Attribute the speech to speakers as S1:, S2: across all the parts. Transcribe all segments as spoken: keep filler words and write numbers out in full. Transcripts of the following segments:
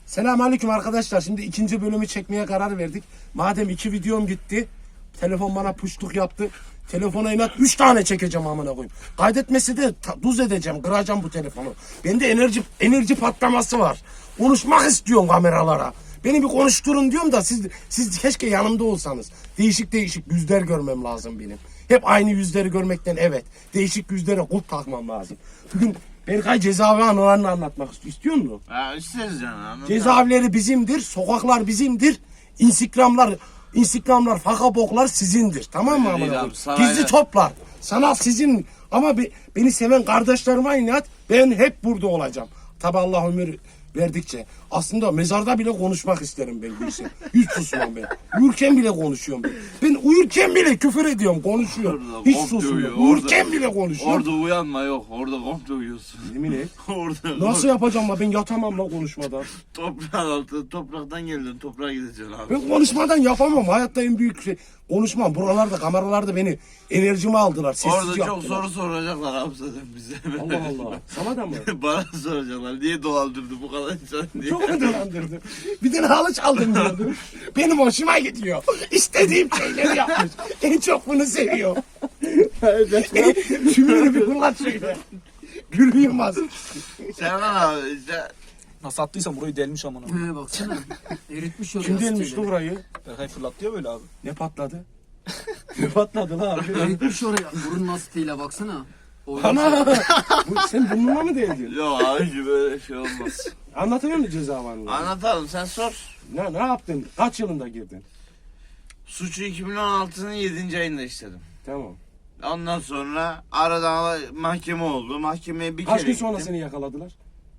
S1: Selamünaleyküm arkadaşlar. Şimdi ikinci bölümü çekmeye karar verdik. Madem iki videom gitti, telefon bana puştuk yaptı. Telefona inat üç tane çekeceğim amına koyayım. Kaydetmesi de ta- duz edeceğim, kıracağım bu telefonu. Bende enerji enerji patlaması var. Konuşmak istiyorum kameralara. Beni bir konuşturun diyorum da siz siz keşke yanımda olsanız. Değişik değişik yüzler görmem lazım benim. Hep aynı yüzleri görmekten evet. Değişik yüzlere kulp takmam lazım. Bugün Berkay cezaevi anılarını anlatmak istiyor. İstiyor musun?
S2: Ha isteriz canım.
S1: Cezaevleri bizimdir, sokaklar bizimdir, Instagramlar, Instagramlar, fakaboklar sizindir. Tamam mı
S2: Öyle değil
S1: amına
S2: abi,
S1: koyayım? Gizli
S2: sarayla-
S1: toplar. Sanat sizin ama be- beni seven kardeşlerime inat ben hep burada olacağım. Tabi Allah ömür verdikçe. Aslında mezarda bile konuşmak isterim ben bu işe. Hiç susmam ben. Uyurken bile konuşuyorum ben. Ben uyurken bile küfür ediyorum, konuşuyorum.
S2: Orada
S1: Hiç
S2: komple uyuyor,
S1: susmuyorum. Uyurken
S2: orada-
S1: bile konuşuyorum.
S2: Orada uyanma yok. Orada komple uyuyorsun.
S1: Yemin et.
S2: Orada
S1: Nasıl yapacağım la ben yatamam la konuşmadan.
S2: toprağın altı, topraktan geldin, toprağa gideceksin abi.
S1: Ben konuşmadan yapamam. Hayatta en büyük şey konuşmam. Buralarda kameralarda beni enerjimi aldılar. Sessiz
S2: Orada çok
S1: yaptılar.
S2: soru soracaklar abi zaten bize.
S1: Allah Allah. Sana da mı?
S2: Bana soracaklar. Niye dolandırdı bu kadar insan diye.
S1: Çok mu dolandırdı? Bir tane halı çaldım diyordu. Benim hoşuma gidiyor. İstediğim şeyleri yapmış. En çok bunu seviyor. Şimdi bir kulak şöyle. Gülüyorum az.
S2: Serkan abi işte
S3: Nasıl attıysan burayı delmiş amına.
S4: He baksana. Eritmiş oraya.
S1: Kim delmiş
S4: siteleri.
S1: bu burayı?
S3: Berkay fırlattı böyle abi.
S1: Ne patladı? Ne patladı lan abi?
S4: Eritmiş oraya. Burun lastiğiyle baksana. O
S1: Ana! Bu, sen burnuna mı değdin?
S2: yok abi böyle şey olmaz.
S1: Anlatıyor musun cezaevinden?
S2: Anlatalım sen sor.
S1: Ne, ne yaptın? Kaç yılında girdin?
S2: Suçu iki bin on altının yedinci ayında işledim.
S1: Tamam.
S2: Ondan sonra aradan mahkeme oldu. Mahkemeye bir
S1: Kaç
S2: kere
S1: gün sonra
S2: gittim.
S1: seni yakaladılar?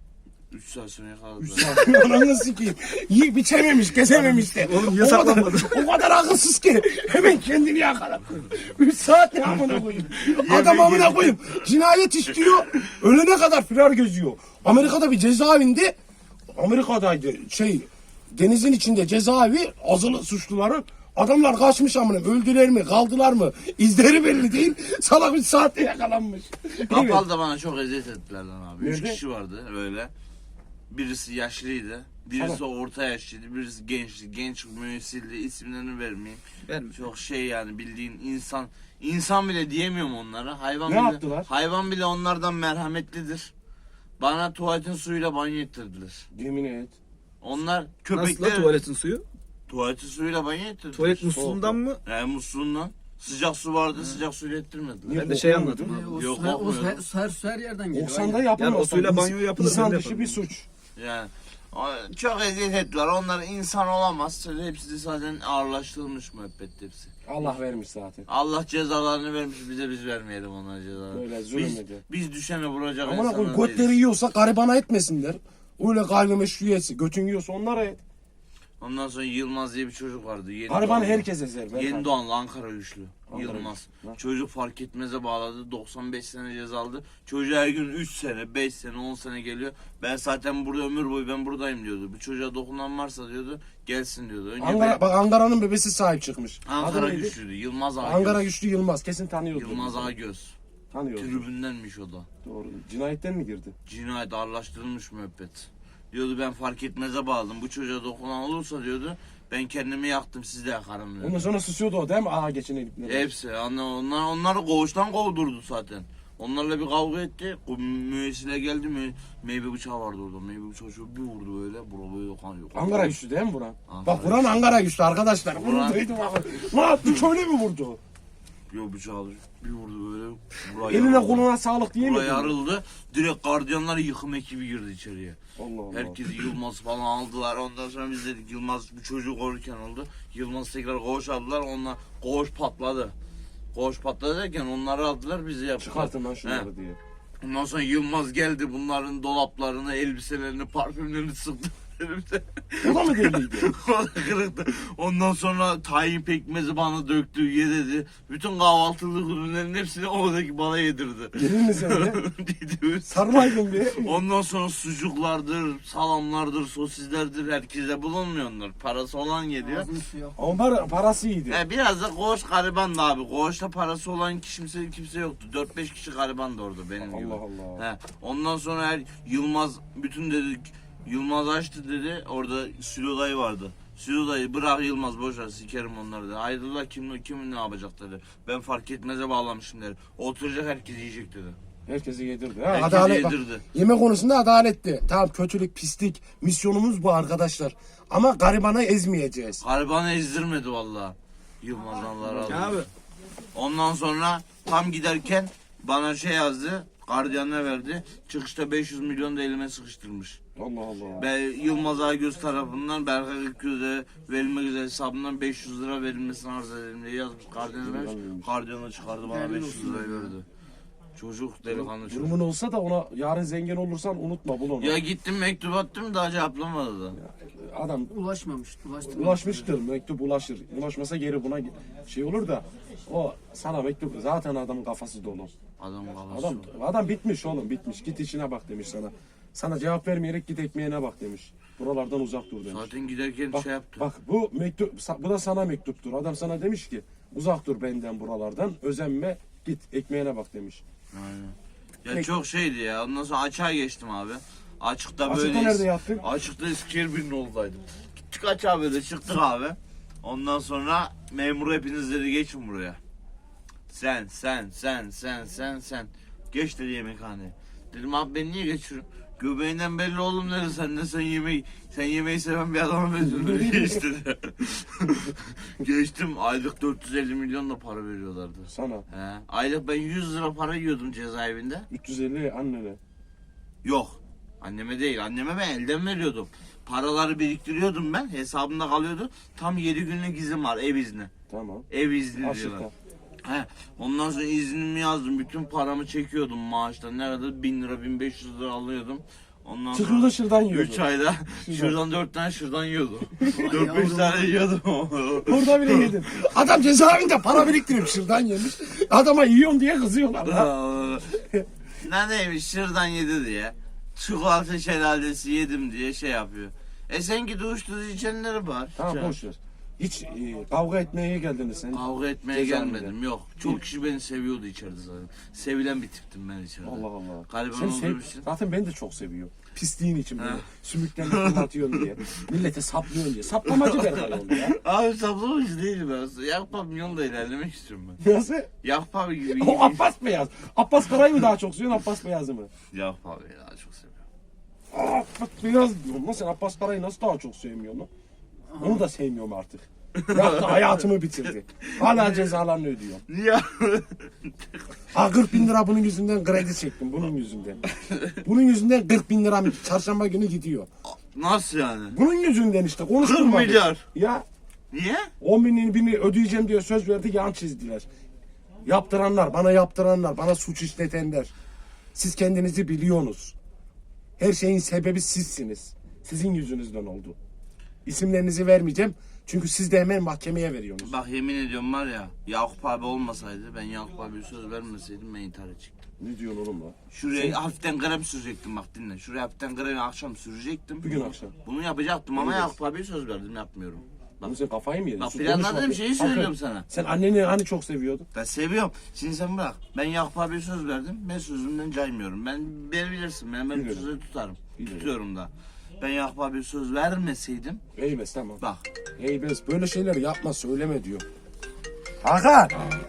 S2: Üç saat sonra yakaladılar.
S1: Üç saat. Ananı sikeyim. Yiyip içememiş, kesememiş de.
S3: Oğlum niye
S1: O kadar-
S3: saklanmadın?
S1: O kadar akılsız ki. Hemen kendini yakaladı. Üç saat ne amına koyayım. Adam amına koyayım. Cinayet işliyor. Ölene kadar firar geziyor. Amerika'da bir cezaevinde, Amerika'daydı şey, denizin içinde cezaevi, azılı suçluların. Adamlar kaçmış amına. Öldüler mi, kaldılar mı? İzleri belli değil. Salak bir saatte yakalanmış. Evet.
S2: Kapalı'da bana çok eziyet ettiler lan abi. Üç
S1: Nerede?
S2: kişi vardı öyle. Birisi yaşlıydı. Birisi
S1: Tamam.
S2: orta yaşlıydı. Birisi gençti. Genç müessildi. İsimlerini vermeyeyim.
S3: Verme.
S2: Çok şey yani bildiğin insan. İnsan bile diyemiyorum onlara. Hayvan
S1: Ne
S2: bile,
S1: yaptılar?
S2: Hayvan bile onlardan merhametlidir. Bana tuvaletin suyuyla banyo ettirdiler.
S1: Yemin et.
S2: Onlar
S3: Nasıl
S2: köpekler
S3: la tuvaletin suyu?
S2: tuvaletin suyuyla banyo ettirdiler.
S3: Tuvalet musluğundan mı?
S2: Yani musluğundan. Sıcak su vardı. Sıcak suyla ettirmediler.
S1: Niye
S3: Ben de şey
S1: korkmuyor
S3: anladım
S1: muydun?
S3: abi.
S4: O,
S2: Yok,
S4: her, o
S2: korkmuyorum.
S4: her, her, her yerden geliyor.
S1: Oksanda
S4: aynen.
S1: yapamazsan.
S3: Yani o suyla
S1: ins-
S3: banyo yapılır,
S1: İnsan
S3: ben de
S1: dışı bir
S3: yaparım.
S1: suç.
S2: Yani o- çok eziyet ettiler. Onlar insan olamaz. Hepsi de zaten ağırlaştırılmış müebbet hepsi.
S1: Allah vermiş zaten.
S2: Allah cezalarını vermiş bize biz vermeyelim onlara cezalarını.
S1: Böyle zulüm
S2: biz,
S1: ediyor.
S2: biz düşene vuracak
S1: Amına
S2: insanlar
S1: koyayım götleri
S2: değiliz.
S1: yiyorsa garibana etmesinler. Öyle gayrimeşru üyesi. Götün yiyorsa onlara et.
S2: Ondan sonra Yılmaz diye bir çocuk vardı. Yeni
S1: Garibanı
S2: doğanlı.
S1: herkes ezer. Berkay.
S2: Yeni doğanlı Ankara güçlü.
S1: Ankara
S2: Yılmaz.
S1: güçlü. Ha.
S2: Çocuk fark etmeze bağladı. doksan beş sene ceza aldı. Çocuğa her gün üç sene, beş sene, on sene geliyor. Ben zaten burada ömür boyu ben buradayım diyordu. Bir çocuğa dokunan varsa diyordu gelsin diyordu. Önce
S1: Ankara,
S2: ben-
S1: bak Ankara'nın bebesi sahip çıkmış.
S2: Ankara
S1: Adı neydi?
S2: güçlüydü. Yılmaz Ağagöz.
S1: Ankara güçlü Yılmaz. Kesin tanıyordur.
S2: Yılmaz Ağagöz.
S1: Tanıyordur.
S2: Tribündenmiş o da.
S1: Doğru. Cinayetten mi girdi?
S2: Cinayet ağırlaştırılmış müebbet. Diyordu ben fark etmeze bağladım. Bu çocuğa dokunan olursa diyordu ben kendimi yaktım siz de yakarım diyordu.
S1: Ondan sonra susuyordu o değil mi? Aha geçen elipleri.
S2: Hepsi. Anne, onlar, onları koğuştan kovdurdu zaten. Onlarla bir kavga etti. O müessile geldi. Mü, meyve bıçağı vardı orada. Meyve bıçağı şöyle bir vurdu böyle. Bura böyle kan yok.
S1: Ankara güçlü değil mi Buran?
S2: Ankara
S1: Bak Buran
S2: güçlü.
S1: Ankara güçlü arkadaşlar. Bunu
S2: Buran-
S1: duydum abi. Ne yaptı? Köyle mi vurdu?
S2: Yok bıçağı bir vurdu böyle. Buraya
S1: Eline
S2: yarıldı.
S1: koluna sağlık diye mi?
S2: Buraya yarıldı. Direkt gardiyanlar yıkım ekibi girdi içeriye.
S1: Allah Allah.
S2: Herkesi Yılmaz falan aldılar. Ondan sonra biz dedik Yılmaz bir çocuk korurken oldu. Yılmaz tekrar koğuş aldılar. Onlar koğuş patladı. Koğuş patladı derken onları aldılar bizi yaptılar.
S1: Çıkartın lan
S2: He.
S1: şunları diye.
S2: Ondan sonra Yılmaz geldi bunların dolaplarını, elbiselerini, parfümlerini sıktı. elimde.
S1: O da mı deliydi?
S2: O da kırıktı. Ondan sonra tahin pekmezi bana döktü, ye dedi. Bütün kahvaltılık ürünlerin hepsini oradaki bana yedirdi.
S1: Yedin mi sen de?
S2: Dedi.
S1: Sarmaydın bir.
S2: Ondan sonra sucuklardır, salamlardır, sosislerdir herkese bulunmuyor onlar. Parası olan geliyor.
S4: Ağzını suya.
S1: Ama para, parası iyiydi.
S2: He, biraz da koğuş garibandı abi. Koğuşta parası olan kimse kimse yoktu. dört beş kişi garibandı orada benim gibi.
S1: Allah Allah.
S2: He, ondan sonra her Yılmaz bütün dedi Yılmaz açtı dedi. Orada Sülo dayı vardı. Sülo dayı bırak Yılmaz boşver sikerim onları dedi. Hayırdır kim kim ne yapacak dedi. Ben fark etmeze bağlamışım dedi. Oturacak herkes yiyecek dedi.
S1: Herkesi yedirdi. Ha,
S2: Herkesi
S1: adalet, bak,
S2: yedirdi.
S1: yeme konusunda adaletti. Tamam kötülük, pislik. Misyonumuz bu arkadaşlar. Ama garibanı ezmeyeceğiz.
S2: Garibanı ezdirmedi vallahi. Yılmaz Allah razı olsun.
S3: Abi.
S2: Ondan sonra tam giderken bana şey yazdı. Gardiyanına verdi. Çıkışta beş yüz milyon da elime sıkıştırmış.
S1: Allah Allah.
S2: Ben Yılmaz Aygöz tarafından Berkay Gökgöz'e verilmek üzere hesabından beş yüz lira verilmesini arz edelim diye yazmış. Gardiyana vermiş. Gardiyana çıkardı bana beş yüz lira verdi. Çocuk delikanlı çocuk.
S1: Durumun olsa da ona yarın zengin olursan unutma bul onu.
S2: Ya gittim mektup attım daha cevaplamadı da.
S1: Adam
S4: Ulaşmamış. Ulaştı.
S1: ulaşmıştır. Mektup ulaşır. Ulaşmasa geri buna şey olur da o sana mektup zaten adamın kafası dolu.
S2: Adam kafası.
S1: Adam adam bitmiş oğlum bitmiş. Git işine bak demiş sana. Sana cevap vermeyerek git ekmeğine bak demiş. Buralardan uzak dur demiş.
S2: Zaten giderken
S1: Bak,
S2: şey yaptı.
S1: bak bu mektup bu da sana mektuptur. Adam sana demiş ki uzak dur benden buralardan. Özenme git ekmeğine bak demiş.
S2: Aynen. Ya
S1: Peki.
S2: çok şeydi ya. Ondan sonra açığa geçtim abi. Açıkta
S1: Açıkta
S2: böyle.
S1: nerede yattın?
S2: Açıkta Eskişehir oldaydım. Gittik açığa böyle çıktık abi. Ondan sonra memur hepiniz dedi geçin buraya. Sen, sen, sen, sen, sen, sen. Geç dedi yemekhaneye. Dedim abi ben niye geçiyorum? Göbeğinden belli oğlum dedi sen de sen yemeği sen yemeği seven bir adama benziyorsun. Geç dedi. Geçtim aylık dört yüz elli milyon da para veriyorlardı.
S1: Sana
S2: He. Aylık ben yüz lira para yiyordum cezaevinde.
S1: üç yüz elli annene.
S2: Yok. Anneme değil. Anneme ben elden veriyordum. Paraları biriktiriyordum ben. Hesabımda kalıyordu. Tam yedi günlük izin var ev izni.
S1: Tamam.
S2: Ev izni diyorlar.
S1: Açıkta.
S2: He. Ondan sonra iznimi yazdım. Bütün paramı çekiyordum maaştan. Ne kadar? bin lira, bin beş yüz lira alıyordum. Ondan
S1: Çıkıyor da şırdan yiyordu.
S2: üç ayda şuradan dört tane şuradan yiyordum. dört beş tane yiyordum.
S1: Orada bile yedin. Adam cezaevinde para biriktirip şırdan yemiş. Adama yiyorsun diye kızıyorlar. Ha.
S2: Ne neymiş şırdan yedi diye. Çikolata şelalesi yedim diye şey yapıyor. E sen git uyuşturucu içenleri var.
S1: Tamam boş ver. Hiç e, kavga etmeye geldiniz sen.
S2: Kavga etmeye
S1: Cezaevinde.
S2: gelmedim yok. Çok kişi beni seviyordu içeride zaten. Sevilen bir tiptim ben içeride.
S1: Allah Allah.
S2: Galiba
S1: Sen
S2: ne
S1: sev-
S2: olduğu için.
S1: zaten ben de çok seviyorum. Pisliğin için böyle.
S2: Ha.
S1: Sümükten fırlatıyorsun diye. Millete saplıyorsun diye. Saplamacı Berkay oldu ya.
S2: Abi saplamış değilim ben aslında. Yakup abi yolda ilerlemek istiyorum ben.
S1: Nasıl?
S2: Yakup abi gibi.
S1: O Abbas Beyaz. Abbas Karay'ı mı daha çok seviyorsun Abbas Beyaz'ı mı?
S2: Yakup abi daha çok seviyorum.
S1: Aa, Abbas Beyaz diyorum. Lan sen Abbas Karay'ı nasıl daha çok sevmiyorsun lan? Onu da sevmiyorum artık. Yaptı hayatımı bitirdi. Hala cezalarını ödüyor.
S2: Niye?
S1: Ha kırk bin lira bunun yüzünden kredi çektim bunun yüzünden. Bunun yüzünden kırk bin liram çarşamba günü gidiyor.
S2: Nasıl yani?
S1: Bunun yüzünden işte konuşturma.
S2: kırk milyar.
S1: Ya
S2: Niye?
S1: on binin birini ödeyeceğim diye söz verdi yan çizdiler. Yaptıranlar, bana yaptıranlar, bana suç işletenler. Siz kendinizi biliyorsunuz. Her şeyin sebebi sizsiniz. Sizin yüzünüzden oldu. İsimlerinizi vermeyeceğim. Çünkü siz de hemen mahkemeye veriyorsunuz.
S2: Bak yemin ediyorum var ya Yakup abi olmasaydı ben Yakup abiye söz vermeseydim ben intihar edecektim.
S1: Ne diyorsun oğlum lan?
S2: Şuraya hafiften krem sürecektim bak dinle. Şuraya hafiften kremi akşam sürecektim.
S1: Bugün akşam.
S2: Bunu yapacaktım ama
S1: Evet.
S2: Yakup abiye söz verdim yapmıyorum.
S1: Lan sen kafayı mı yedin?
S2: Bak
S1: Sus,
S2: planladığım
S1: konuşma.
S2: şeyi
S1: Sakın.
S2: söylüyorum sana.
S1: Sen anneni hani çok seviyordun?
S2: Ben seviyorum. Şimdi sen bırak. Ben Yakup abiye söz verdim. Ben sözümden caymıyorum. Ben beni bilirsin. Ben benim
S1: Biliyorum.
S2: sözü tutarım.
S1: Biliyorum.
S2: Tutuyorum da. Ben Yakup abiye söz vermeseydim
S1: Eybes tamam.
S2: bak.
S1: Eybes böyle şeyleri yapma söyleme diyor. Hakan!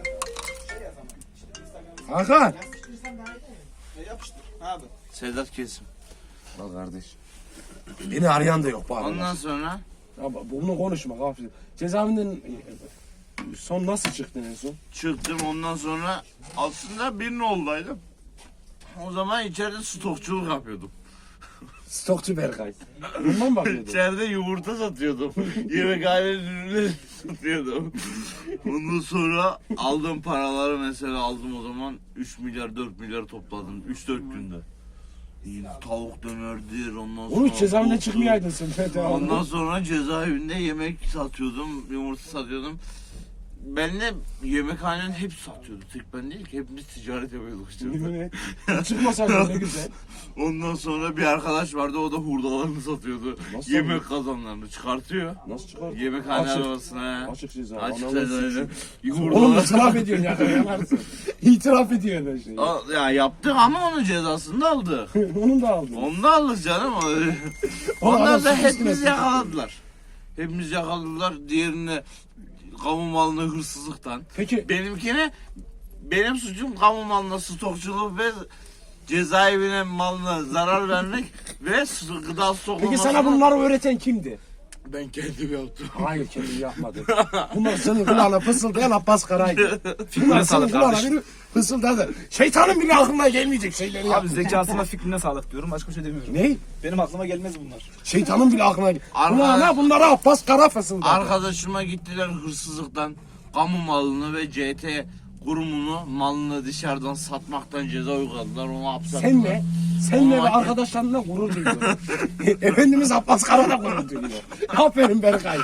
S1: Hakan!
S3: Ne yapıştır abi?
S2: Sedat kesim.
S1: Al kardeş. Beni arayan da yok bu aralar.
S2: Ondan sonra
S1: Ama bunu konuşma gafil. Cezaevinden e, son nasıl çıktın en son?
S2: çıktım ondan sonra aslında bir noldaydım. O zaman içeride stokçuluk yapıyordum.
S1: Stokçu Berkay. Bundan mı bakıyordun?
S2: İçeride yumurta satıyordum. Yemekhane ürünleri satıyordum. Ondan sonra aldığım paraları mesela aldım o zaman üç milyar dört milyar topladım üç dört günde. Tavuk dönerdir ondan sonra.
S1: Onu hiç cezaevinden
S2: tavuktur.
S1: çıkmayaydın sen.
S2: Ondan sonra cezaevinde yemek satıyordum, yumurta satıyordum. benimle yemekhanenin hepsi satıyordu. Tek ben değil ki hepimiz ticaret yapıyorduk işte.
S1: Çıkmasaydın ne güzel.
S2: Ondan sonra bir arkadaş vardı o da hurdalarını satıyordu.
S1: Nasıl
S2: Yemek kazanlarını çıkartıyor.
S1: Nasıl çıkar?
S2: Yemekhane
S1: Açık.
S2: arabasına.
S1: Açık ceza.
S2: Açık
S1: Ananı
S2: ceza.
S1: sikeyim.
S2: Hurdalar-
S1: Oğlum itiraf ediyorsun ya. Yanarsın. İtiraf ediyorsun her şeyi.
S2: O- Ya yaptık ama onun cezasını da aldık.
S1: Onu da aldın.
S2: Onu da aldık canım.
S1: Oğlum
S2: Ondan
S1: adam
S2: sonra
S1: suç üstüne
S2: hepimiz
S1: suç.
S2: yakaladılar. Hepimiz yakaladılar. Diğerine kamu malına hırsızlıktan.
S1: Peki
S2: Benimkine benim suçum kamu malına stokçuluk ve cezaevine malına zarar vermek ve su- gıda stoklamasına.
S1: Peki sana bunları öğreten kimdi?
S2: Ben kendim yaptım.
S1: Hayır kendim yapmadım. Bunlar senin kulağına fısıldayan Abbas Kara'ydı. Bunlar senin
S3: sağlık
S1: kulağına
S3: kardeşim.
S1: biri fısıldadı. Şeytanın bile aklına gelmeyecek şeyleri
S3: Abi
S1: yaptı.
S3: zekasına fikrine sağlık diyorum. Başka bir şey demiyorum.
S1: Ne?
S3: Benim aklıma gelmez bunlar.
S1: Şeytanın bile aklına
S2: Arka-
S1: kulağına bunlara Abbas Kara fısıldadı.
S2: Arkadaşıma gittiler hırsızlıktan kamu malını ve C T kurumunu malını dışarıdan satmaktan ceza uyguladılar. Onu hapse attılar.
S1: Senle, senle ve
S2: Ama-
S1: arkadaşlarınla gurur duyuyorum. Efendimiz Abbas Kara da gurur duyuyor. Aferin Berkay.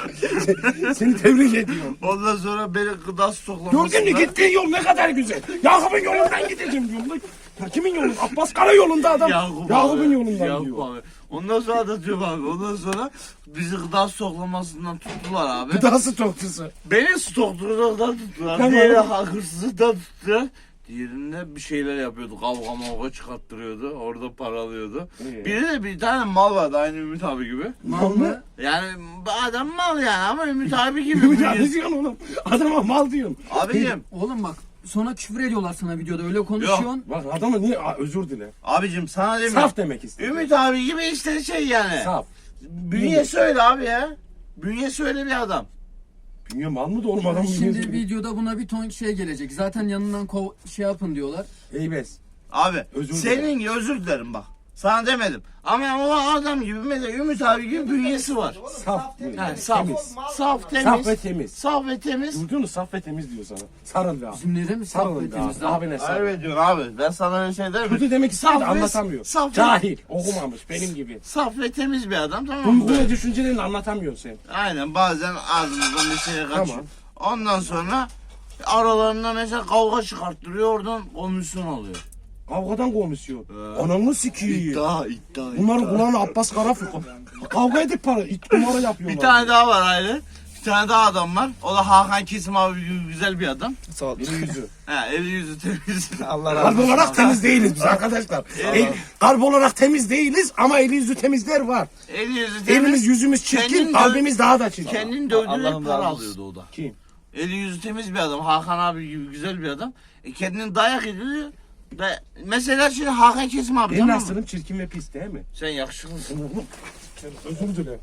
S1: Seni tebrik ediyorum.
S2: Ondan sonra beni gıda stoklamasına.
S1: Gördün mü gittiğin yol ne kadar güzel. Yakup'un yolundan gideceğim diyorum. Ya kimin yolu? Abbas Kara yolunda adam.
S2: Yakup
S1: Yakup'un
S2: abi,
S1: yolundan
S2: Yakup
S1: diyor.
S2: abi. Ondan sonra anlatıyorum abi. Ondan sonra bizi gıda stoklamasından tuttular abi.
S1: Gıda stokçusu.
S2: Beni stokçuluktan tuttular.
S1: Tamam.
S2: Diğeri hırsızlıktan tuttular. Diğerinde bir şeyler yapıyordu. Kavga mavga çıkarttırıyordu. Orada para alıyordu.
S1: İyi.
S2: Bir de bir tane mal vardı aynı Ümit abi gibi.
S1: Mal mı?
S2: Yani adam mal yani ama Ümit abi gibi.
S1: Ümit abi ne diyorsun oğlum? Adama mal diyorsun.
S2: Abicim,
S4: Oğlum bak sonra küfür ediyorlar sana videoda öyle konuşuyorsun.
S1: Bak adama niye Aa, özür dile.
S2: abicim sana demiyorum.
S1: Saf demek istedim.
S2: Ümit abi gibi işte şey yani.
S1: Saf.
S2: Bünyesi öyle abi ya. Bünyesi öyle bir adam.
S1: Dünya mal mı da oğlum adam
S4: Şimdi
S1: bünyesi-
S4: videoda buna bir ton şey gelecek. Zaten yanından kov şey yapın diyorlar.
S1: Eybes.
S2: Abi
S1: Özür
S2: senin gibi özür dilerim bak. Sana demedim. Ama o adam gibi mesela Ümit abi gibi bünyesi var.
S1: Saf.
S2: Yani saf,
S1: Temiz.
S2: saf, temiz.
S1: Saf ve temiz.
S2: Saf ve temiz.
S1: Duydun mu? Saf ve temiz diyor sana. Sarıl be abi.
S4: Bizim nere mi
S1: Sarıl be
S4: sohbetimiz
S1: abi.
S4: daha?
S1: Abine sarıl.
S2: Evet diyorsun abi. Ben sana öyle şey derim.
S1: Kötü demek istedi
S2: Saf ve-
S1: anlatamıyor.
S2: saf ve-
S1: Cahil. Okumamış benim gibi.
S2: Saf ve temiz bir adam tamam
S1: Bu,
S2: mı?
S1: bu ne düşüncelerini anlatamıyorsun sen.
S2: Aynen bazen ağzımızdan bir şey kaçıyor.
S1: Tamam.
S2: Ondan sonra aralarında mesela kavga çıkarttırıyor oradan komisyon alıyor.
S1: Kavgadan komisyon. Ananı sikiyim.
S2: İddia, iddia,
S1: Bunların
S2: iddia.
S1: kulağına Abbas Karafi. Kavga edip para, it numara yapıyorlar.
S2: Bir tane daha var aile. Bir tane daha adam var. O da Hakan Kesim abi gibi güzel bir adam.
S3: Sağ ol.
S1: Eli yüzü.
S2: He, eli yüzü temiz.
S3: Allah razı
S1: Kalp
S3: olsun.
S1: olarak temiz değiliz biz arkadaşlar. El, kalp olarak temiz değiliz ama eli yüzü temizler var.
S2: Eli yüzü temiz.
S1: Elimiz yüzümüz çirkin,
S2: Kendini
S1: kalbimiz daha da çirkin.
S2: Kendini dövdürerek
S3: Allah'ım
S2: para
S3: razı olsun.
S2: alıyordu o da.
S1: Kim?
S2: Eli yüzü temiz bir adam. Hakan abi gibi güzel bir adam. E kendini dayak ediyor. Da, mesela şimdi Hakan Kesim abi
S1: Benim
S2: tamam mı?
S1: aslım çirkin ve pis değil mi?
S2: Sen yakışıklısın.
S1: Özür dilerim.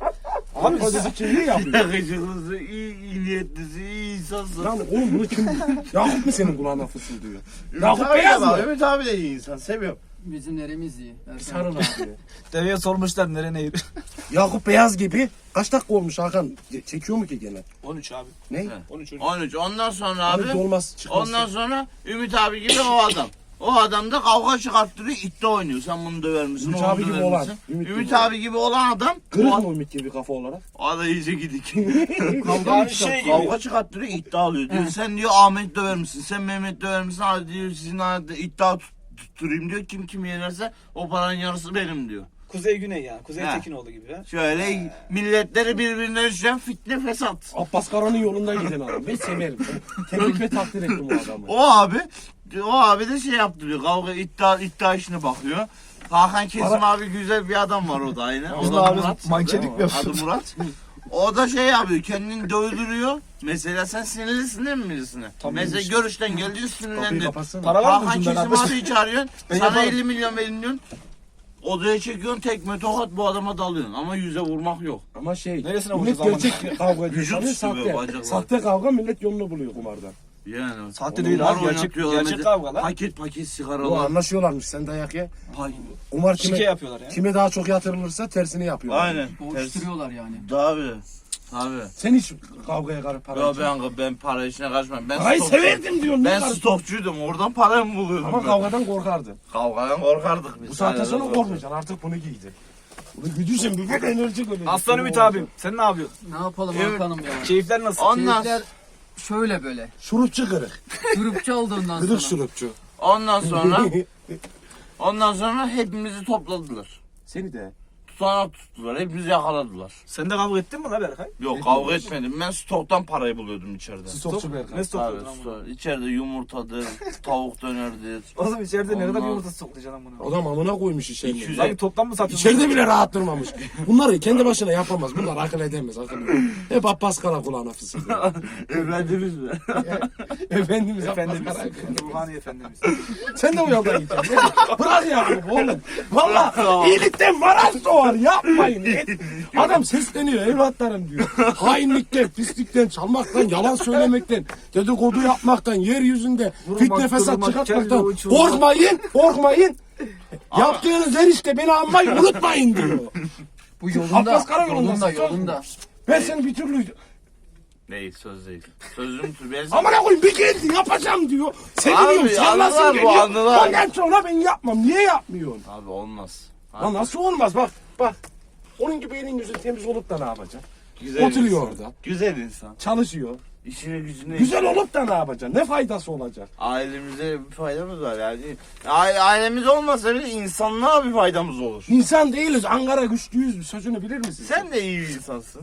S1: Abi o dedi kimliği yapıyor.
S2: Yakışıklısın, iyi, iyi niyetlisin, iyi insansın.
S1: Lan oğlum bunu kim? Yakup mu senin kulağına fısıldıyor?
S2: Ümit
S1: Yakup
S2: abi de
S1: beyaz
S2: bak,
S1: mı?
S2: Ümit abi de iyi insan. Seviyorum.
S4: Bizim neremiz iyi. Erkan.
S1: Sarıl abi.
S3: Deveye sormuşlar nere nehir.
S1: Yakup beyaz gibi. Kaç dakika olmuş Hakan? Çekiyor mu ki gene?
S3: on üç abi.
S1: Ne?
S3: on üç.
S2: on üç. Ondan sonra abi.
S1: Abi olmaz çıkmaz.
S2: Ondan sonra Ümit abi gibi o adam. O adam da kavga çıkarttırıyor, iddia oynuyor. Sen bunu döver misin?
S1: Ümit
S2: onu
S1: abi gibi
S2: döver
S1: olan,
S2: misin?
S1: Ümit
S2: Ümit,
S1: gibi olan.
S2: abi gibi olan adam.
S1: Kırık
S2: o,
S1: mı Ümit gibi kafa olarak?
S2: o da iyice gidik.
S4: Kavga mı
S3: Yani
S4: çıkarttı?
S3: şey gibi.
S2: Kavga çıkarttırıyor, iddia alıyor. Diyor, sen diyor Ahmet döver misin? Sen Mehmet döver misin? Hadi diyor sizin arada iddia tut, tutturayım diyor. Kim kim yenerse o paranın yarısı benim diyor.
S3: Kuzey güney yani. Kuzey
S2: Ha.
S3: Tekinoğlu gibi ha.
S2: Şöyle milletleri birbirine düşen fitne fesat.
S1: Abbas Kara'nın yolunda giden adam. Ben severim. Tebrik ve takdir ettim o adamı.
S2: O abi, o abi de şey yaptırıyor. Kavga iddia iddia işine bakıyor. Hakan Kesim
S1: Para-
S2: abi güzel bir adam var o da aynı. O
S3: Bizim
S2: da
S3: abi
S2: Murat.
S3: mankenlik mi
S2: Adı
S3: yapıyor?
S2: Murat. O da şey yapıyor, kendini dövdürüyor. Mesela sen sinirlisin değil mi birisine?
S3: Tamam,
S2: Mesela
S3: işte.
S2: görüşten geldin
S1: Kapıyı
S2: sinirlendin.
S1: kapatsana.
S3: Para var mı
S2: Hakan
S3: ucunda
S2: Kesim
S3: kardeşim?
S2: abiyi çağırıyorsun.
S3: Ben
S2: Sana
S3: yaparım.
S2: elli milyon verin diyorsun. Odaya çekiyorsun tekme tokat bu adama dalıyorsun. Ama yüze vurmak yok.
S1: Ama şey,
S3: Neresine
S1: millet
S3: vuracağız
S1: gerçek kavga ediyor.
S2: Vücut
S1: Sanıyor
S2: sıvıyor,
S1: sahte.
S2: bacaklar.
S1: Sahte kavga millet yolunu buluyor kumarda.
S2: Yani.
S3: Sahte değil abi,
S2: Onlar
S3: gerçek-
S2: oynatıyorlar.
S3: gerçek
S2: Mesela
S3: kavga lan.
S2: Paket paket
S1: O
S2: sigaralar.
S1: anlaşıyorlarmış sen dayak ye.
S2: Pay-
S1: Kumar
S3: Şike
S1: kime,
S3: yapıyorlar ya.
S1: kime daha çok yatırılırsa tersini yapıyorlar.
S2: Aynen.
S4: Boğuşturuyorlar yani.
S2: Tabii. Tabii.
S1: Sen hiç kavgaya karı para
S2: Ya
S1: için-
S2: ben, ben para işine karışmam. Ben
S1: Parayı
S2: stok-
S1: severdim diyorsun. ne
S2: Ben
S1: karı-
S2: stokçuydum. Oradan para mı buluyordum?
S1: Ama
S2: ben?
S1: kavgadan korkardın.
S2: Kavgadan korkardık biz.
S1: Bu saatten
S2: Aynen
S1: sonra
S2: öyle.
S1: korkmayacaksın. Artık bunu giydin. Bunu giydiysen bir böyle enerji böyle.
S3: Aslan Ümit abim. Sen ne yapıyorsun?
S4: Ne yapalım
S2: Evet.
S4: Hakan'ım ya?
S3: Keyifler nasıl?
S2: Ondan
S4: Keyifler şöyle böyle.
S1: Şurupçu kırık.
S4: Grupçu oldu ondan sonra.
S1: Kırık şurupçu.
S2: Ondan sonra ondan sonra hepimizi topladılar.
S1: Seni de.
S2: Tutanak tuttular. Hepimizi yakaladılar.
S3: Sen de kavga ettin mi la Berkay?
S2: Yok kavga etmedim. Ben stoktan parayı buluyordum içeride.
S1: Stokçu Berkay.
S3: Ne stok
S2: Abi
S3: ama?
S2: stok. İçeride yumurtadır, tavuk dönerdir.
S3: Oğlum içeride ne kadar
S2: Ondan-
S3: yumurta soklayacaksın amına.
S1: Adam amına koymuş
S2: iki
S1: içeride.
S2: yüz
S3: Lan toplam mı satıyorsun?
S1: İçeride bile rahat durmamış. Bunları kendi başına yapamaz. Bunlar akıl edemez. Akıl edemez. Hep Abbas Kara kulağına fısıldıyor.
S2: Evlendiniz mi?
S1: Efendimiz Abbas
S3: Efendimiz.
S1: Kara.
S3: Ruhani Efendimiz.
S1: Sen de o yoldan gideceksin. Bırak ya oğlum. Valla iyilikten varaz doğar. Yapmayın. Adam sesleniyor evlatlarım diyor. Hainlikten, pislikten, çalmaktan, yalan söylemekten, dedikodu yapmaktan, yeryüzünde fitne fesat
S3: durmak,
S1: çıkartmaktan.
S3: kelle uçurmak.
S1: Korkmayın, korkmayın. Yaptığınız her işte beni anmayı unutmayın diyor.
S4: Bu yolunda,
S1: Abbas Kara yolundasın,
S4: yolunda,
S1: söz mü?
S4: yolunda.
S1: Ben seni bir türlü
S2: Değil söz değil. Sözüm tut. Ben
S1: amına koyayım bir geldi yapacağım diyor. Seviniyorum,
S2: Abi,
S1: sallasın
S2: anılar bu,
S1: geliyor.
S2: anılar.
S1: Ondan sonra ben yapmam. Niye yapmıyorsun?
S2: Abi olmaz.
S1: Lan nasıl olmaz bak bak. Onun gibi elin yüzün temiz olup da ne yapacaksın?
S2: Güzel
S1: Oturuyor
S2: insan.
S1: orada.
S2: Güzel insan.
S1: Çalışıyor.
S2: İşine gücüne.
S1: Güzel olup da ne yapacaksın? Ne faydası olacak?
S2: Ailemize bir faydamız var yani. Aile, ailemiz olmasa bile insanlığa bir faydamız olur.
S1: İnsan değiliz. Ankara güçlüyüz. Bir sözünü bilir misin?
S2: Sen de iyi bir insansın.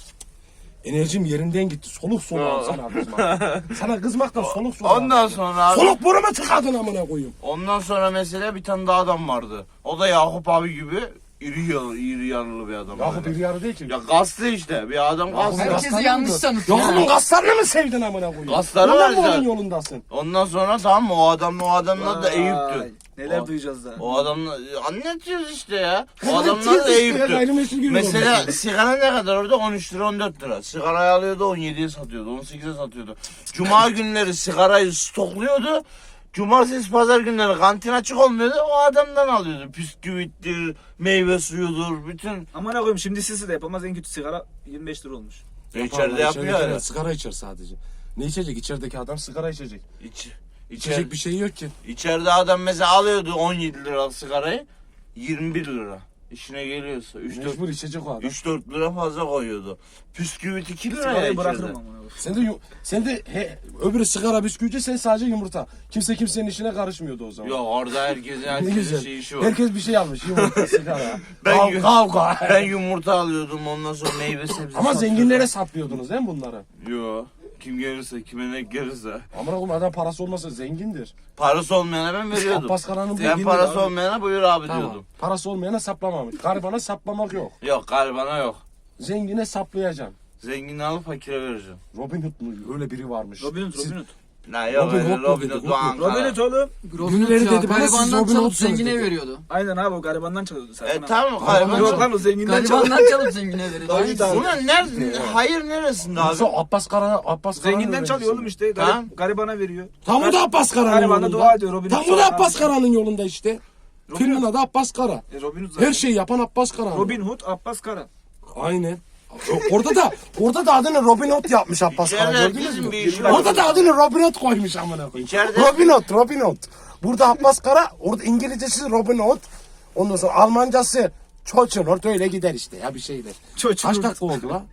S1: Enerjim yerinden gitti. Soluk soluğa
S2: Aa.
S1: sana kızmak. Sana kızmaktan soluk soluğa.
S2: Ondan sonra abi,
S1: Soluk borumu tıkadın amına koyayım.
S2: ondan sonra mesela bir tane daha adam vardı. O da Yakup abi gibi iri yarı, iri yarılı bir adam.
S1: Yakup
S2: böyle.
S1: bir yarı değil ki.
S2: Ya kaslı işte. Bir adam kaslı.
S1: Yakup-
S4: Herkesi
S1: Kasları
S4: yanlış
S1: mı?
S4: tanıtıyor.
S1: Yakup'un kaslarını mı sevdin amına koyayım?
S2: Kasları
S1: Ondan
S2: var
S1: mı onun
S2: zaten.
S1: yolundasın?
S2: Ondan sonra tamam mı? O adam o adamın adı da
S3: Vay,
S2: Eyüp'tü.
S3: Neler
S2: O-
S3: duyacağız da.
S2: O adamla anlatıyoruz işte ya. O
S1: Anlatıyoruz
S2: adamlar da
S1: işte ya,
S2: Eyüp'tü.
S1: gayrimeşru gibi
S2: Mesela
S1: oldu.
S2: sigara ne kadar orada? on üç lira on dört lira. Sigarayı alıyordu on yediye satıyordu. on sekize satıyordu. Cuma günleri sigarayı stokluyordu. Cumartesi pazar günleri kantin açık olmuyordu. O adamdan alıyordu. Bisküvittir, meyve suyudur, bütün.
S3: Amına koyayım şimdi sisi de yapamaz en kötü sigara yirmi beş lira olmuş.
S2: E, içeride yapıyor
S1: İçeride
S2: ya.
S1: sigara içer sadece. Ne içecek? İçerideki adam sigara içecek.
S2: İç,
S1: İçecek
S2: içer,
S1: bir şey yok ki.
S2: içeride adam mesela alıyordu on yedi liralık sigarayı yirmi bir lira. İşine geliyorsa üç dört
S1: Mecbur içecek o adam.
S2: üç dört lira fazla koyuyordu. Bisküvit iki lira ya
S3: Sigarayı
S2: içeride.
S3: bırakırım amına koyayım.
S1: Sen de yu- sen de he, öbürü sigara bisküvici, sen sadece yumurta. Kimse kimsenin işine karışmıyordu o zaman.
S2: Yok orada herkesin
S1: Ne
S2: herkesin
S1: güzel.
S2: şey işi var.
S1: Herkes bir şey almış. Yumurta, sigara.
S2: Ben
S1: Kav-
S2: yu-
S1: kavga.
S2: Ben yumurta alıyordum ondan sonra meyve sebze
S1: Ama
S2: satıyordum.
S1: zenginlere saplıyordunuz değil mi bunları?
S2: Yo. Kim gelirse, kime ne gelirse.
S1: Amına koyayım adam parası olmasa zengindir.
S2: Parası olmayana ben veriyordum.
S1: Abbas Kara'nın
S2: Ben
S1: zengindir
S2: parası
S1: abi.
S2: olmayana buyur abi
S1: Tamam.
S2: diyordum.
S1: Parası olmayana saplamamış. Garibana saplamak yok.
S2: Yok garibana yok.
S1: Zengine saplayacaksın.
S2: Zengini alıp fakire vereceğim.
S1: Robin Hood mu? Öyle biri varmış.
S3: Robin Hood,
S1: Siz-
S3: Robin Hood.
S2: La yok
S1: Robin
S2: öyle
S1: Hood mu
S2: Robin
S1: dedi,
S2: Hood
S1: Hood
S2: Doğu
S1: mu?
S2: Ankara.
S3: Robin Hood oğlum.
S4: Robin Hood
S1: Birileri
S4: ya,
S1: dedi bana, siz
S4: garibandan
S1: Robin
S4: çalıp
S1: Hood'sunuz
S4: zengine
S1: dedi.
S4: veriyordu.
S3: Aynen abi o garibandan çalıyordu sen.
S2: E tamam
S1: Gariban
S2: gariban.
S3: Yok lan o zenginden çalıyordu.
S4: Garibandan çalıp zengine veriyordu.
S3: Tabii,
S4: Aynısı.
S3: tabii.
S2: Ulan nerede? Hayır neresinde abi?
S1: Yoksa Abbas Kara, Abbas Kara'nın
S3: Zenginden çalıyor oğlum
S1: öğrencisi.
S3: işte.
S2: Tamam.
S3: Garip, garibana veriyor.
S1: Tam o da Abbas Kara'nın
S3: Garibana
S1: yolunda.
S3: dua ediyor, Robin
S1: Tam
S3: Hood
S1: o da
S3: sonra
S1: Abbas
S3: abi.
S1: Kara'nın yolunda işte.
S3: Robin
S1: Filmin
S3: Hood.
S1: adı Abbas Kara.
S3: E, Robin Hood zaten.
S1: Her şeyi yapan Abbas Kara.
S3: Robin Hood, Abbas Kara.
S1: Aynen. O- Orada da orada da adını Robin Hood yapmış Abbas Kara,
S2: İçeride
S1: gördünüz
S2: herkesin
S1: mü?
S2: bir işi var.
S1: Orada da adını Robin Hood koymuş amına koyayım.
S2: İçeride-
S1: Robin Hood, Robin Hood. Burada Abbas Kara, orada İngilizcesi Robin Hood. Ondan sonra Almancası Çoçun, orada öyle gider işte ya bir şeyler.
S3: Çoçun.
S1: Kaç dakika oldu la?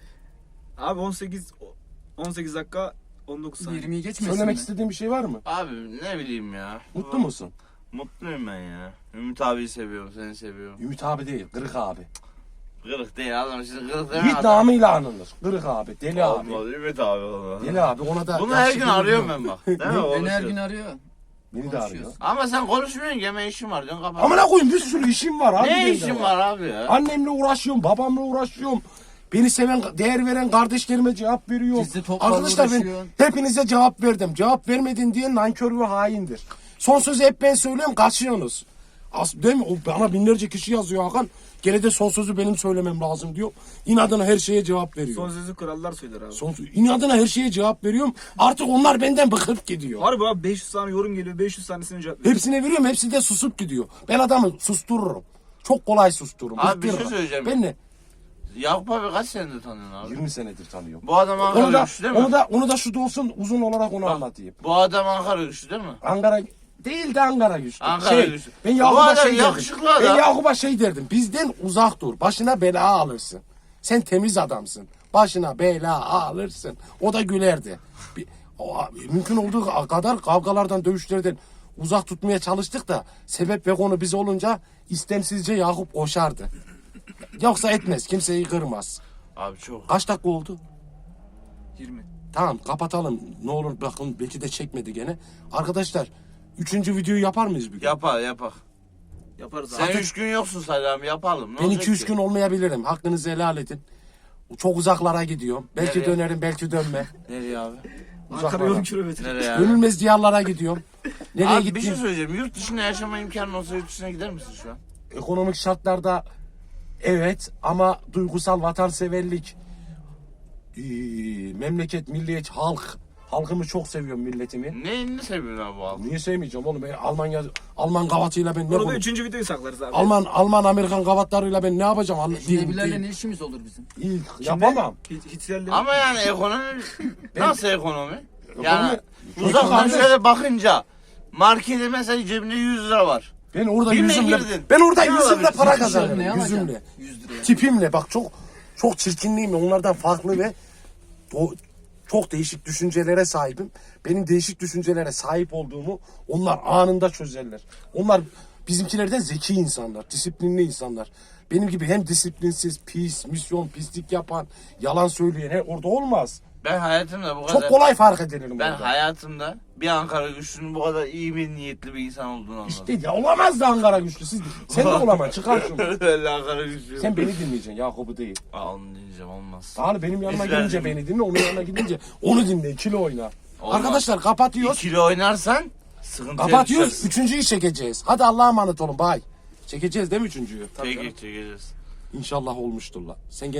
S3: Abi on sekiz on sekiz dakika on dokuz saniye.
S4: yirmiyi geçmesin
S1: Söylemek
S4: mi?
S1: istediğin bir şey var mı?
S2: Abi ne bileyim ya.
S1: Mutlu musun?
S2: Mutluyum ben ya. Ümit abiyi seviyorum, seni seviyorum.
S1: Ümit abi değil, Kırık abi.
S2: Kırık değil adam şimdi kırık değil mi?
S1: Yiğit namıyla anılır. Kırık abi, deli abi.
S2: Olmaz Ümit abi olmaz.
S1: Deli abi ona da...
S2: Bunu her
S1: yaşlı
S2: gün
S1: gibi
S2: arıyorum
S1: diyor.
S2: ben bak. Değil mi?
S4: Beni her
S2: Konuşuyoruz.
S4: gün arıyor.
S1: Beni de arıyor.
S4: Konuşuyoruz.
S2: Ama sen konuşmuyorsun yeme işim var diyorsun kapat.
S1: Amına koyayım bir sürü işim var abi.
S2: ne
S1: benim de
S2: işin var abi ya?
S1: Annemle uğraşıyorum, babamla uğraşıyorum. Beni seven, değer veren kardeşlerime cevap veriyorum.
S4: Gizli toplarla
S1: Arkadaşlar ben
S4: uğraşıyorsun.
S1: hepinize cevap verdim. Cevap vermedin diye nankör ve haindir. Son sözü hep ben söylüyorum, kaçıyorsunuz. As değil mi? O bana binlerce kişi yazıyor Hakan. Gene de son sözü benim söylemem lazım diyor. İnadına her şeye cevap veriyor.
S3: Son
S1: Son,
S3: sözü krallar söyler abi.
S1: son inadına her şeye cevap veriyorum. Artık onlar benden bıkıp gidiyor.
S3: Harbi abi beş yüz tane yorum geliyor. beş yüz tanesine cevap veriyor.
S1: Hepsine veriyorum, hepsi de susup gidiyor. Ben adamı sustururum. Çok kolay sustururum.
S2: Abi bir şey
S1: bıktırırım.
S2: söyleyeceğim.
S1: Ben ne?
S2: Yakup abi kaç senedir tanıyorsun abi?
S1: yirmi senedir tanıyorum.
S2: Bu adam
S1: Onu
S2: Ankara
S1: da,
S2: güçlü değil mi?
S1: onu da, onu da şu da olsun uzun olarak onu anlatayım.
S2: Bu adam Ankara güçlü değil mi?
S1: Ankara değil de Ankara güçlü.
S2: Ankara
S1: şey,
S2: güçlü.
S1: Ben
S2: Bu
S1: Yakup'a
S2: adam
S1: şey derdim.
S2: yakışıklı
S1: Ben
S2: adam.
S1: Yakup'a şey derdim. Bizden uzak dur. Başına bela alırsın. Sen temiz adamsın. Başına bela alırsın. O da gülerdi. Bir, o, mümkün olduğu kadar kavgalardan, dövüşlerden uzak tutmaya çalıştık da sebep ve konu biz olunca istemsizce Yakup koşardı. Yoksa etmez. Kimseyi kırmaz.
S2: Abi çok.
S1: Kaç dakika oldu?
S3: yirmi.
S1: Tamam kapatalım. Ne olur bakın belki de çekmedi gene. Arkadaşlar üçüncü videoyu yapar mıyız bir gün?
S2: Yapar yapar.
S3: Yaparız
S2: Sen
S3: abi.
S2: üç gün yoksun Salam yapalım. Ne
S1: Ben
S2: olacak
S1: iki üç
S2: ki?
S1: gün olmayabilirim. Hakkınızı helal edin. Çok uzaklara gidiyorum. Belki
S2: Nereye?
S1: dönerim belki dönme.
S2: Nereye abi?
S3: Ankara
S1: Uzaklara.
S3: yolun kilometre.
S2: Nereye abi?
S1: Dönülmez diyarlara gidiyorum. Nereye
S2: Abi bir şey
S1: gittim?
S2: söyleyeceğim. Yurt dışında yaşama imkanın olsa yurt dışına gider misin şu an?
S1: Ekonomik şartlarda evet ama duygusal vatanseverlik, ee, memleket, milliyet, halk. Halkımı çok seviyorum milletimi.
S2: Neyini seviyorsun abi bu halk?
S1: Niye sevmeyeceğim oğlum? Ben Almanya Alman gavatıyla ben ne
S3: Onu da
S1: konuşayım?
S3: üçüncü videoyu saklarız abi.
S1: Alman Alman Amerikan gavatlarıyla ben ne yapacağım? Anla- değil-
S4: Nebilerle
S1: değil.
S4: ne işimiz olur bizim?
S1: İyi,
S3: Kimle?
S1: yapamam.
S3: Hit- Hitlerle.
S2: Ama yani ekonomi nasıl ekonomi? Yani
S1: Ekonomi-
S2: uzaktan
S1: Ekonomi-
S2: şöyle bakınca markete mesela cebinde yüz lira var.
S1: Ben orada
S2: Bir mi
S1: yüzümle
S2: girdin?
S1: ben orada
S2: Ne
S1: yüzümle
S2: alabilirsin?
S1: para
S4: Ne
S1: kazanıyorum.
S4: alacaksın?
S1: Yüzümle.
S4: yüz liraya.
S1: Tipimle bak çok çok çirkinliğim onlardan farklı ve o çok değişik düşüncelere sahibim. Benim değişik düşüncelere sahip olduğumu onlar anında çözerler. Onlar bizimkilerden zeki insanlar, disiplinli insanlar. Benim gibi hem disiplinsiz, pis, misyon, pislik yapan, yalan söyleyen he, orada olmaz.
S2: Ben hayatımda bu kadar...
S1: Çok kolay fark edilirim
S2: Ben
S1: orada.
S2: hayatımda bir Ankara güçlünün bu kadar iyi bir niyetli bir insan olduğunu anladım.
S1: İşte ya olamaz da Ankara güçlü. Siz, sen de olamaz. Çıkar şunu.
S2: Öyle Ankara güçlü.
S1: Sen beni dinleyeceksin. Yakup'u değil.
S2: Aa, onu dinleyeceğim olmaz.
S1: Sağ benim yanıma
S2: İzler
S1: gelince
S2: miyim?
S1: beni dinle, onun yanına gidince onu dinle, ikili oyna.
S2: Olmaz.
S1: Arkadaşlar kapatıyoruz.
S2: İkili oynarsan sıkıntıya
S1: Kapatıyoruz.
S2: düşersin.
S1: Üçüncüyü çekeceğiz. Hadi Allah'a emanet olun. Bay. Çekeceğiz değil mi üçüncüyü?
S2: Çekeceğiz çekeceğiz.
S1: İnşallah olmuştur la. Sen